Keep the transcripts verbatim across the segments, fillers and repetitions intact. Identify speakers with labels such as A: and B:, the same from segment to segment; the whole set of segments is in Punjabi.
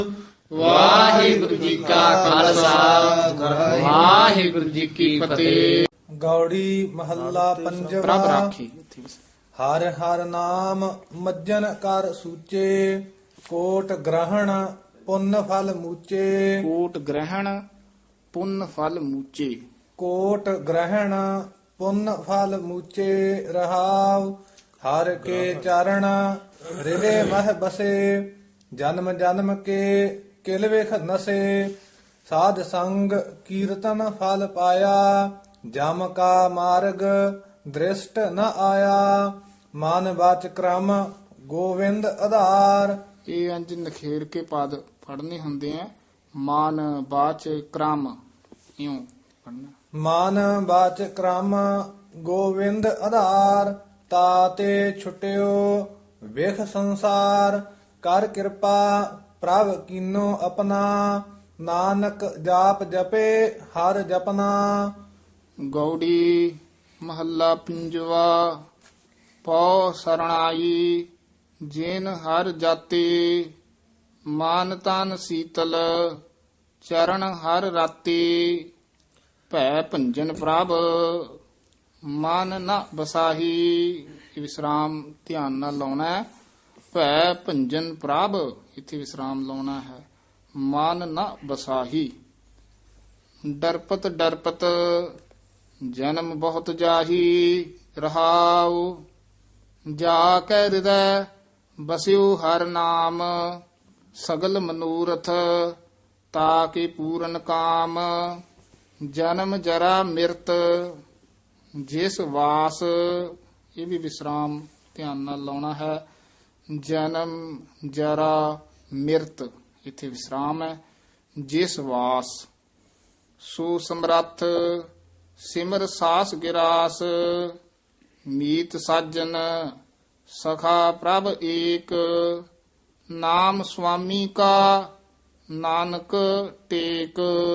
A: ਵਾਹਿਗੁਰੂ ਜੀ ਕਾ ਖਾਲਸਾ ਵਾਹਿਗੁਰੂ ਜੀ ਕੀ ਫਤਿਹ।
B: ਗੌੜੀ ਮਹੱਲਾ
A: ਪ੍ਰਭ
B: ਪੰਜਵਾ।
A: ਰਾਖੀ।
B: ਹਰ ਹਰ ਨਾਮ ਮੱਜਨ ਕਰ ਸੂਚੇ, ਕੋਟ ਗ੍ਰਹਣ ਪੁੰਨ ਫਲ ਮੂਚੇ।
A: ਕੋਟ ਗ੍ਰਹਿਣ ਪੁੰਨ ਫਲ ਮੂਚੇ।
B: ਕੋਟ ਗ੍ਰਹਣ ਪੁੰਨ ਫਲ ਮੂਚੇ ਰਹਾਉ। ਹਰ ਕੇ ਚਰਨ ਹਿਰਦੇ ਮਹਿ ਬਸੇ, ਜਨਮ ਜਨਮ ਕੇ ਕਿਲ ਵਿਖ ਨਸੇ। ਸਾਧ ਸੰਗ ਕੀਰਤਨ ਫਲ ਪਾਇਆ, ਜਮ ਕਾ ਮਾਰਗ ਦ੍ਰਿਸ਼ਟ ਨ ਆਇਆ। ਮਨ ਵਾਚ ਕ੍ਰਮ ਗੋਵਿੰਦ ਆਧਾਰ।
A: ਇਹ ਅੰਜ ਨਖੇਰ ਕੇ ਪਦ ਪੜਨੇ ਹੁੰਦੇ ਆ। ਮਾਨ ਬਾਚ ਕ੍ਰਮ ਇਉਂ ਪੜਨਾ।
B: ਮਨ ਵਾਚ ਕ੍ਰਮ ਗੋਵਿੰਦ ਆਧਾਰ। ਤਾਤੇ ਛੁਟਿਓ ਵਿਖ ਸੰਸਾਰ, ਕਰ ਕਿਰਪਾ ਪ੍ਰਭ ਕੀਨੋ ਆਪਣਾ। ਨਾਨਕ ਜਾਪ ਜਪੇ ਹਰ ਜਪਨਾ।
A: ਗੌੜੀ ਮਹੱਲਾ ਪੰਜਵਾ। ਪਉ ਸਰਣਾਈ ਜਿਨ ਹਰ ਜਾਤੇ, ਮਾਨ ਤਨ ਸੀਤਲ ਚਰਨ ਹਰ ਰਾਤੇ। ਭੈ ਭੰਜਨ ਪ੍ਰਭ ਮਨ ਨ ਬਸਾਹੀ। ਇਹ ਵਿਸਰਾਮ ਧਿਆਨ ਨਾਲ ਲਾਉਣਾ ਹੈ। ਭੈ ਭੰਜਨ ਪ੍ਰਭ ਇੱਥੇ ਵਿਸਰਾਮ ਲਾਉਣਾ ਹੈ। ਮਨ ਨ ਬਸਾਹੀ। ਡਰਪਤ ਡਰਪਤ ਜਨਮ ਬਹੁਤ ਜਾਹੀ ਰਹਾਉ। ਜਾ ਕੈ ਹਿਰਦੈ ਬਸਿਉ ਹਰ ਨਾਮ, ਸਗਲ ਮਨੂਰਥ ਤਾਕੇ ਪੂਰਨ ਕਾਮ। ਜਨਮ ਜਰਾ ਮਿਰਤ ਜਿਸ ਵਾਸ। ਇਹ ਵੀ ਵਿਸਰਾਮ ਧਿਆਨ ਨਾਲ ਲਾਉਣਾ ਹੈ। ਜਨਮ ਜਰਾ ਮਿਰਤ ਇੱਥੇ ਵਿਸਰਾਮ ਹੈ। ਜਿਸ ਵਾਸ। ਸੋ ਸਮਰੱਥ ਸਿਮਰ ਸਾਸ ਗਿਰਾਸ, ਮੀਤ ਸਾਜਨ ਸਖਾ ਪ੍ਰਭ ਏਕ। ਨਾਮ ਸੁਆਮੀ ਕਾ ਨਾਨਕ ਟੇਕ।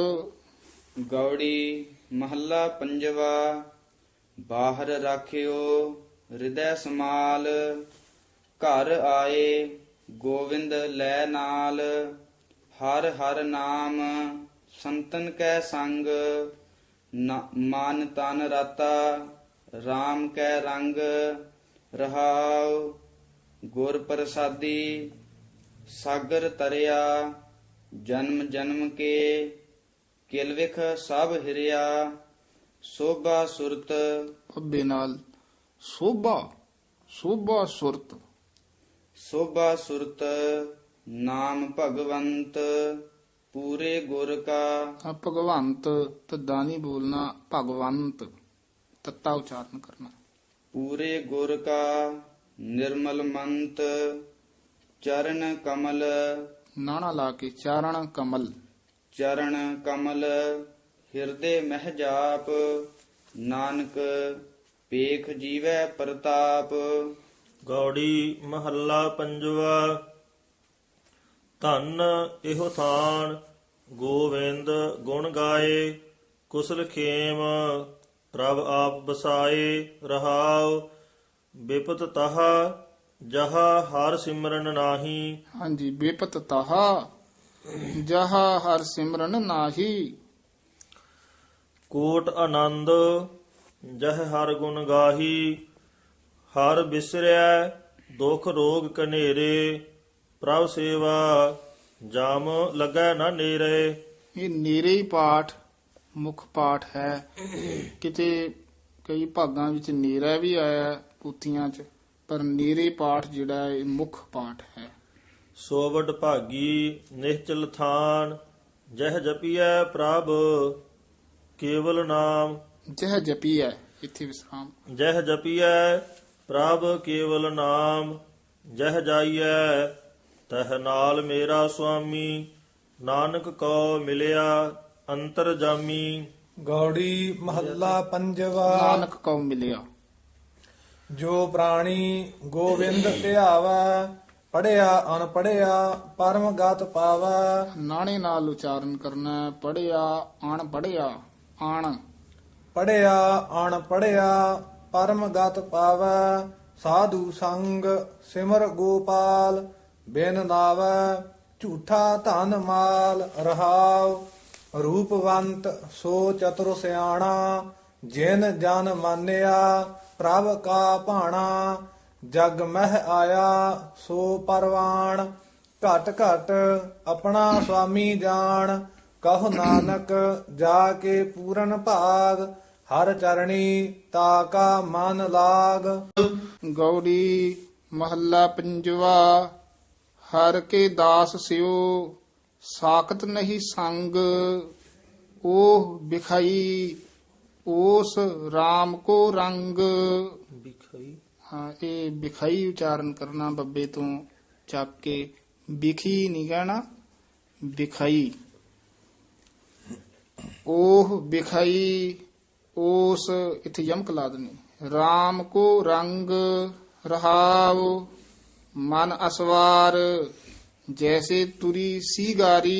C: ਗੌੜੀ ਮਹੱਲਾ ਪੰਜਵਾ। ਬਾਹਰ ਰਾਖਿਓ ਹਿਰਦੈ ਸਮਾਲ, ਘਰ ਆਏ ਗੋਵਿੰਦ ਲੈ ਨਾਲ। ਹਰ ਹਰ ਨਾਮ ਸੰਤਨ ਕੈ ਸੰਗ, ਨਾ- ਮਨ ਤਨ ਰਾਤਾ RAM ਕੈ ਰੰਗ। ਰਹਾਉ ਗੁਰ ਪ੍ਰਸਾਦੀ ਸਾਗਰ ਤਰਿਆ, ਜਨਮ ਜਨਮ ਕੇ ਕਿਲ ਵਿਖ ਸਭ ਹਿਰਿਆ। ਸੋਭਾ ਸੁਰਤ
A: ਅੱਬੇ ਨਾਲ ਸੋਭਾ ਸੋਭਾ ਸੁਰਤ।
C: ਸੋਭਾ ਸੁਰਤ ਨਾਮ ਭਗਵੰਤ, ਪੂਰੇ ਗੁਰ ਕਾ।
A: ਆ ਭਗਵੰਤ ਤੱਦਾ ਨਹੀਂ ਬੋਲਣਾ, ਭਗਵੰਤ ਤੱਤਾ ਉਚਾਰਨ ਕਰਨਾ।
C: ਪੂਰੇ ਗੁਰ ਕਾ ਨਿਰਮਲ ਮੰਤ, ਚਰਨ ਕਮਲ।
A: ਨਾਣਾ ਲਾ ਕੇ ਚਾਰਣ ਕਮਲ।
C: ਚਰਨ ਕਮਲ ਹਿਰਦੇ ਮਹਿ ਜਾਪ, ਨਾਨਕ ਪੇਖ ਜੀਵੈ ਪ੍ਰਤਾਪ।
D: ਗੌੜੀ ਮਹੱਲਾ ਪੰਜਵਾ। ਧੰਨ ਇਹੋ ਥਾਨ ਗੋਵਿੰਦ ਗੁਣ ਗਾਏ, ਕੁਸਲ ਖੇਮ ਪ੍ਰਭ ਆਪ ਬਸਾਏ। ਰਹਾਉ ਬਿਪਤ ਤਹਾ ਜਹਾ ਹਰ ਸਿਮਰਨ ਨਾਹੀ।
A: ਹਾਂਜੀ ਬੇਪਤ ਤਾਹਾ ਜਹਾ ਹਰ ਸਿਮਰਨ ਨਾਹੀ।
D: ਕੋਟ ਆਨੰਦ ਜਹ ਹਰ ਗੁਣ ਗਾਹੀ। ਹਰ ਬਿਸਰੈ ਦੁਖ ਰੋਗ ਕਨੇਰੇ, ਪ੍ਰਭ ਸੇਵਾ ਜਾਮ ਲੱਗੈ ਨਾ ਨੇਰੇ।
A: ਇਹ ਨੇਰੇ ਹੀ ਪਾਠ ਮੁੱਖ ਪਾਠ ਹੈ। ਕਿਤੇ ਕਈ ਭਾਗਾਂ ਵਿੱਚ ਨੇਰਾ ਵੀ ਆਇਆ ਪੂਥੀਆਂ 'ਚ, ਪਰ ਨੇਰੇ ਪਾਠ ਜਿਹੜਾ ਹੈ ਇਹ ਮੁੱਖ ਪਾਠ ਹੈ।
D: ਸੋਵਡ ਭਾਗੀ ਨਿਹਚਲ ਥਾਨ, ਜਹ ਜਪੀਐ ਪ੍ਰਭ ਕੇਵਲ ਨਾਮ।
A: ਜਹ ਜਪੀ ਹੈ ਇੱਥੇ ਵਿਸਰਾਮ।
D: ਜਹ ਜਪੀਐ ਪ੍ਰਭ ਕੇਵਲ ਨਾਮ, ਜਹ ਜਾਈਐ ਤਹ ਨਾਲ ਮੇਰਾ ਸੁਆਮੀ। ਨਾਨਕ ਕੋ ਮਿਲਿਆ ਅੰਤਰ ਜਾਮੀ।
B: ਗੌੜੀ ਮਹੱਲਾ ਪੰਜਵਾ।
A: ਨਾਨਕ ਕਉ ਮਿਲਿਆ।
B: ਜੋ ਪ੍ਰਾਣੀ ਗੋਵਿੰਦ ਧਿਆਵੈ, ਪੜਿਆ ਅਨਪੜਿਆ ਪਰਮ ਗਤ ਪਾਵੈ।
A: ਨਾਣੇ ਨਾਲ ਉਚਾਰਨ ਕਰਨਾ ਹੈ। ਪੜਿਆ ਅਣ ਪੜਿਆ ਅਣ।
B: ਪੜਿਆ ਅਣ ਪੜਿਆ ਪਰਮ ਗਤ ਪਾਵੈ। ਸਾਧੂ ਸੰਗ ਸਿਮਰ ਗੋਪਾਲ, ਬਿਨ ਨਾਵੈ ਝੂਠਾ ਧਨ ਮਾਲ ਰਹਾਉ। ਰੂਪਵੰਤ ਸੋ ਚਤੁਰ ਸਿਆਣਾ, ਜਿਨ ਜਨ ਮਾਨਿਆ ਪ੍ਰਭ ਕਾ ਭਾਣਾ। ਜਗ ਮਹਿ ਆਇਆ ਸੋ ਪਰਵਾਣ, ਘਟ ਘਟ ਆਪਣਾ ਸੁਆਮੀ ਜਾਣ। ਕਹੋ ਨਾਨਕ ਜਾ ਕੇ ਪੂਰਨ ਭਾਗ, ਹਰ ਚਰਣੀ ਤਾ ਕਾ ਮਨ ਲਾਗ।
A: ਗੌੜੀ ਮਹੱਲਾ ਪੰਜਵਾ। ਹਰ ਕੇ ਦਾਸ ਸਿਓ ਸਾਖਤ ਨਹੀਂ ਸੰਗ, ਉਹ ਬਿਖਾਈ ਉਸ RAM ਕੋ ਰੰਗ।
D: ਬਿਖਈ
A: ਹਾਂ, ਇਹ ਬਿਖਾਈ ਉਚਾਰਨ ਕਰਨਾ ਬੱਬੇ ਤੋਂ ਚੱਕ ਕੇ, ਬਿਖੀ ਨਹੀਂ ਕਹਿਣਾ, ਬਿਖਾਈ। ਉਹ ਬਿਖਾਈ ਉਸ, ਇੱਥੇ ਯਮਕ ਲਾ ਦੇਣੀ। RAM ਕੋ ਰੰਗ ਰਹਾਉ, ਮਨ ਅਸਵਾਰ ਜੈਸੇ ਤੁਰੀ ਸੀਗਾਰੀ।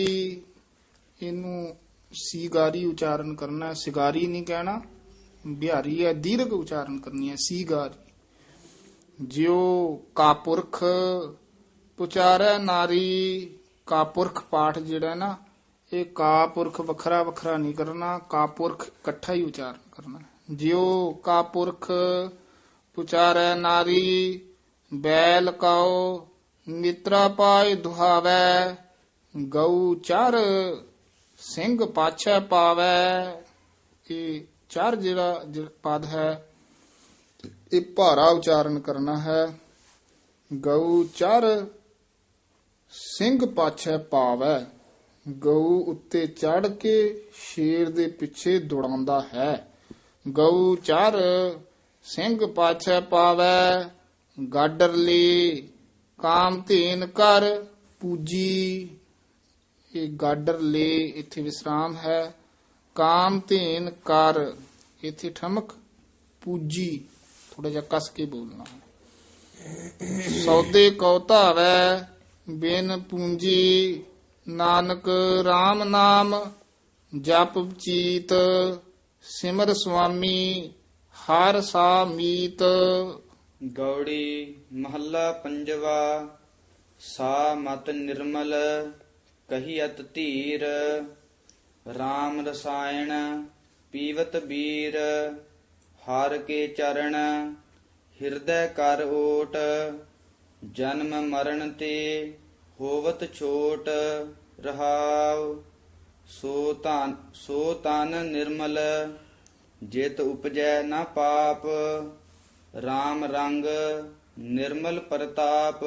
A: ਇਹਨੂੰ ਸੀਗਾਰੀ ਉਚਾਰਨ ਕਰਨਾ, ਸਿਗਾਰੀ ਨਹੀਂ ਕਹਿਣਾ, ਬਿਹਾਰੀ ਹੈ, ਦੀਰਘ ਉਚਾਰਨ ਕਰਨੀ ਹੈ, ਸੀਗਾਰੀ। ਜਿਉ ਕਾਪੁਰਖ ਪੁਚਾਰੈ ਨਾਰੀ। ਕਾਪੁਰਖ ਪਾਠ ਜਿਹੜਾ ਨਾ, ਇਹ ਕਾਪੁਰਖ ਵੱਖਰਾ ਵੱਖਰਾ ਨਹੀਂ ਕਰਨਾ, ਕਾਪੁਰਖ ਇਕੱਠਾ ਹੀ ਉਚਾਰਨ ਕਰਨਾ। ਜਿਉ ਕਾਪੁਰਖ ਪੁਚਾਰੈ ਨਾਰੀ, ਬੈਲ ਕਾਉ ਮਿਤਰਾ ਪਾਇ ਦੁਹਾਵੈ। ਗਊ ਚਰ ਸਿੰਘ ਪਾਛੈ ਪਾਵੈ। ਇਹ ਚਰ ਜਿਹੜਾ ਜ- ਪਦ ਹੈ, ਇਹ ਭਾਰਾ ਉਚਾਰਨ ਕਰਨਾ ਹੈ। ਗਊ ਚਰ ਸਿੰਘ ਪਾਛੈ ਪਾਵੈ। ਗਊ ਉੱਤੇ ਚੜ ਕੇ ਸ਼ੇਰ ਦੇ ਪਿੱਛੇ ਦੌੜਾਉਂਦਾ ਹੈ। ਗਊ ਚਰ ਸਿੰਘ ਪਾਛੈ ਪਾਵੈ, ਗਾਡਰ ਲੇ ਕਾਮ ਧੇਨ ਕਰ ਪੂਜੀ। ਇਹ ਗਾਡਰ ਲੇ ਇੱਥੇ ਵਿਸਰਾਮ ਹੈ, ਕਾਮ ਧੇਨ ਕਰ ਇੱਥੇ ਠਮਕ, ਪੂਜੀ ਥੋੜਾ ਜਿਹਾ ਕਸ ਕੇ ਬੋਲਣਾ ਹੈ। ਸੌਦੇ ਕਉ ਧਾਵੈ ਬਿਨ ਪੂੰਜੀ, ਨਾਨਕ RAM ਨਾਮ ਜਪ ਚੀਤ। ਸਿਮਰ ਸੁਆਮੀ ਹਰ ਸਾ ਮੀਤ।
C: ਗੌੜੀ ਮਹੱਲਾ ਪੰਜਵਾ। ਸਾ ਮਤ ਨਿਰਮਲ ਕਹੀਅਤ ਧੀਰ, RAM ਰਸਾਇਣ ਪੀਵਤ ਬੀਰ। ਹਰ ਕੇ ਚਰਨ ਹਿਰਦੈ ਕਰ ਓਟ, ਜਨਮ ਮਰਨ ਤੇ ਹੋਵਤ ਛੋਟ। ਰਹਾਉ ਸੋ ਤਨ ਸੋ ਤਨ ਨਿਰਮਲ, ਜਿਤ ਉਪਜੈ ਨਾ ਪਾਪ। RAM ਰੰਗ ਨਿਰਮਲ ਪ੍ਰਤਾਪ,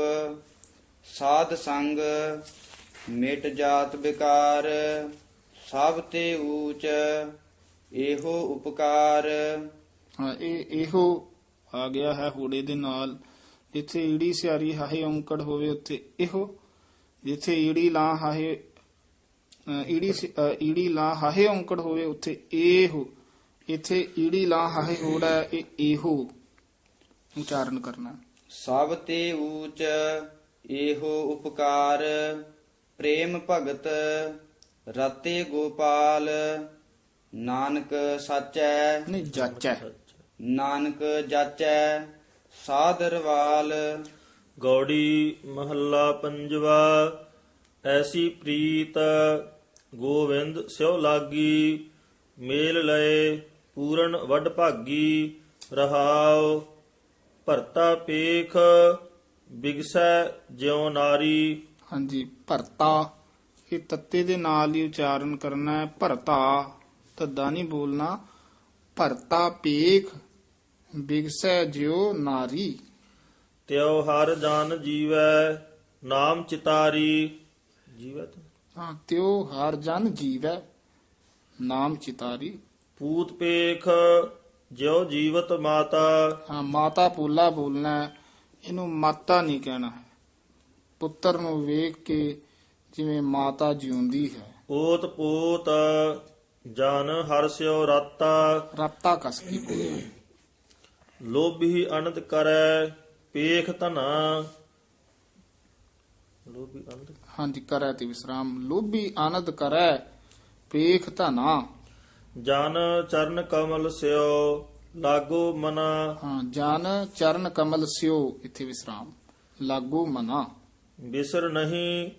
C: ਸਾਧ ਸੰਗ ਮਿਟ ਜਾਤ ਵਿਕਾਰ। ਸਭ ਤੇ ਊਚ ਇਹੋ ਉਪਕਾਰ।
A: ਹਾਂ, ਇਹ ਇਹੋ ਆ ਗਿਆ ਹੈ ਹੋੜੇ ਦੇ ਨਾਲ। ਜਿੱਥੇ ਈੜੀ ਸਿਆਰੀ ਹਾਹੇ ਔਂਕੜ ਹੋਵੇ ਉੱਥੇ ਇਹੋ, ਜਿੱਥੇ ਈੜੀ ਲਾ ਹਾਹੇ ਅ, ਈੜੀ ਸ- ਅ, ਈੜੀ ਲਾ ਹਾਹੇ ਔਂਕੜ ਹੋਵੇ ਉੱਥੇ ਇਹੋ। ਇੱਥੇ ਈੜੀ ਲਾ ਹਾਹੇ ਹੋੜਾ ਹੈ, ਇਹ ਇਹੋ ਉਚਾਰਨ ਕਰਨਾ।
C: ਸਭ ਤੇ ਊਚ ਇਹੋ ਉਪਕਾਰ। ਪ੍ਰੇਮ ਭਗਤ ਰਤੇ ਗੋਪਾਲ, ਨਾਨਕ ਸਾਚੈ
A: ਨਹੀਂ ਜਾਚੈ।
C: ਨਾਨਕ ਜਾਚੈ ਸਾਦਰਵਾਲ।
D: ਗੌੜੀ ਮਹੱਲਾ ਪੰਜਵਾ। ਐਸੀ ਪ੍ਰੀਤ ਗੋਵਿੰਦ ਸਿਉ ਲਾਗੀ, ਮੇਲ ਲਏ ਪੂਰਨ ਵੱਡ ਭਾਗੀ। ਰਹਾਉ ਭਰਤਾ ਪੇਖ ਬਿਗਸੈ ਜਿਉ ਨਾਰੀ।
A: ਹਾਂਜੀ, ਭਰਤਾ ਇਹ ਤੱਤੇ ਦੇ ਨਾਲ ਹੀ ਉਚਾਰਨ ਕਰਨਾ ਹੈ। ਭਰਤਾ ਧੱਦਾ ਨਹੀਂ ਬੋਲਣਾ। ਭਰਤਾ ਪੇਖ ਬਿਗਸੈ ਜਿਉ ਨਾਰੀ।
D: ਤਿਉ ਹਰ ਜਨ ਜੀਵੈ ਨਾਮ ਚਿਤਾਰੀ। ਜੀਵੈ ਤਾਂ
A: ਹਾਂ, ਤਿਉ ਹਰ ਜਨ ਜੀਵੈ ਨਾਮ ਚਿਤਾਰੀ।
D: ਪੂਤ ਪੇਖ ਜਿਉ ਜੀਵਤ ਮਾਤਾ।
A: ਹਾਂ, ਮਾਤਾ ਪੋਲਾ ਬੋਲਣਾ ਹੈ, ਇਹਨੂੰ ਮਾਤਾ ਨਹੀਂ ਕਹਿਣਾ ਹੈ। ਪੁੱਤਰ ਨੂੰ ਵੇਖ ਕੇ ਜਿਵੇਂ ਮਾਤਾ ਜਿਉਂਦੀ ਹੈ।
D: ਓਤ ਪੋਤ ਜਨ ਹਰਸਿਓ ਰਾਤਾ।
A: ਰਾਤਾ ਕਸ ਕੇ ਬੋਲਣਾ।
D: ਲੋਭੀ ਅਨੰਦ ਕਰੈ ਪੇਖ ਧਨਾ। ਲੋਭੀ ਅਨੰਦ
A: ਹਾਂਜੀ, ਕਰੈ ਤੇ ਵਿਸਰਾਮ। ਲੋਭੀ ਆਨੰਦ ਕਰੈ ਪੇਖ ਧਨਾ।
D: ਜਨ ਚਰਨ ਕਮਲ ਸਿਓ ਲਾਗੋ ਮਨਾ।
A: ਹਾਂ, ਜਨ ਚਰਨ ਕਮਲ ਸਿਓ ਇੱਥੇ ਵਿਸਰਾਮ, ਲਾਗੂ ਮਨਾ।
D: ਬਿਸਰ ਨਹੀਂ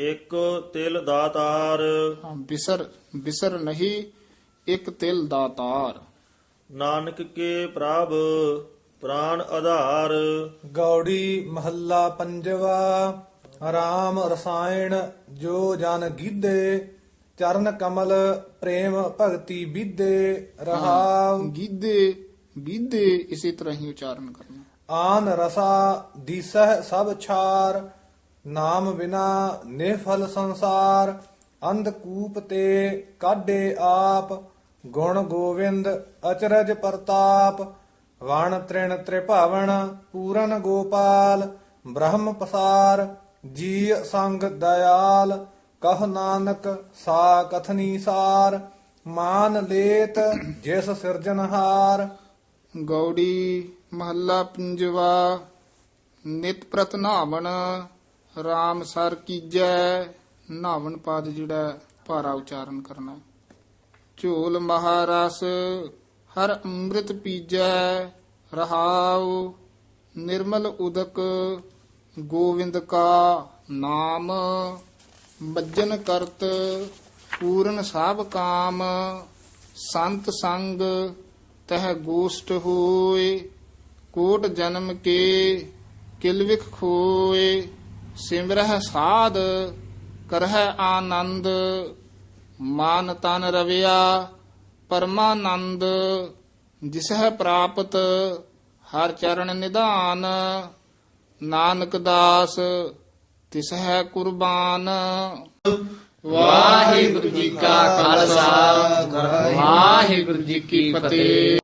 D: ਇੱਕ ਤਿਲ ਦਾਤਾਰ
A: ਹਾਂ, ਬਿਸਰ ਬਿਸਰ ਨਹੀਂ, ਇੱਕ ਤਿਲ ਦਾਤਾਰ।
D: ਨਾਨਕ ਕੇ ਪ੍ਰਭ ਪ੍ਰਾਨ ਆਧਾਰ।
B: ਗੌੜੀ ਮਹੱਲਾ ਪੰਜਵਾ। ਰਾਮ ਰਸਾਇਣ ਜੋ ਜਨ ਗੀਧੇ, ਚਰਨ ਕਮਲ ਪ੍ਰੇਮ ਭਗਤੀ ਵਿਦੇ ਰਹਾਉ।
A: ਗੀਧੇ ਗੀਧੇ ਇਸੇ ਤਰ੍ਹਾਂ ਹੀ ਉਚਾਰਨ ਕਰਨਾ।
B: ਆਨ ਰਸਾ ਦੀਸਹਿ ਸਭ ਛਾਰ, ਨਾਮ ਬਿਨਾ ਨਿਫਲ ਸੰਸਾਰ। ਅੰਧਕੂਪ ਤੇ ਕਾਢੇ ਆਪ, ਗੁਣ ਗੋਵਿੰਦ ਅਚਰਜ ਪ੍ਰਤਾਪ। ਵਣ ਤ੍ਰਿਣ ਤ੍ਰਿਭਾਵਨ ਪੂਰਨ ਗੋਪਾਲ, ਬ੍ਰਹਮ ਪਸਾਰ ਜੀ ਸੰਗ ਦਇਆਲ। ਕਹ ਨਾਨਕ ਸਾ ਕਥਨੀ ਸਾਰ, ਮਾਨ ਲੇਤ ਜਿਸ ਸਿਰਜਨਹਾਰ।
A: ਗੌੜੀ ਮਹੱਲਾ ਪੰਜਵਾ। ਨਿਤ ਪ੍ਰਤ ਨਾਵਣ ਰਾਮ ਸਰ ਕੀਜੈ। ਨਾਵਣ ਪਦ ਜਿਹੜਾ ਭਾਰਾ ਉਚਾਰਨ ਕਰਨਾ। ਝੋਲ ਮਹਾਰਸ ਹਰ ਅੰਮ੍ਰਿਤ ਪੀਜੈ ਰਹਾਉ। ਨਿਰਮਲ ਉਦਕ ਗੋਵਿੰਦ ਕਾ ਨਾਮ, ਬੱਜਨ ਕਰਤ ਪੂਰਨ ਸਭ ਕਾਮ। ਸੰਤ ਸੰਗ ਤਹ ਗੋਸ਼ਟ ਹੋਏ, ਕੋਟ ਜਨਮ ਕੇ ਕਿਲਵਿਖ ਖੋਏ। ਸਿਮਰਹਿ ਸਾਧ ਕਰਹਿ ਆਨੰਦ, ਮਾਨ ਤਨ ਰਵਿਆ ਪਰਮਾਨੰਦ। ਜਿਸਹਿ ਪ੍ਰਾਪਤ ਹਰ ਚਰਨ ਨਿਧਾਨ, ਨਾਨਕ ਦਾਸ ਤਿਸਹਿ ਕੁਰਬਾਨ।
E: ਵਾਹਿਗੁਰੂ ਜੀ ਕਾ ਖਾਲਸਾ ਵਾਹਿਗੁਰੂ ਜੀ ਕੀ ਫਤਿਹ।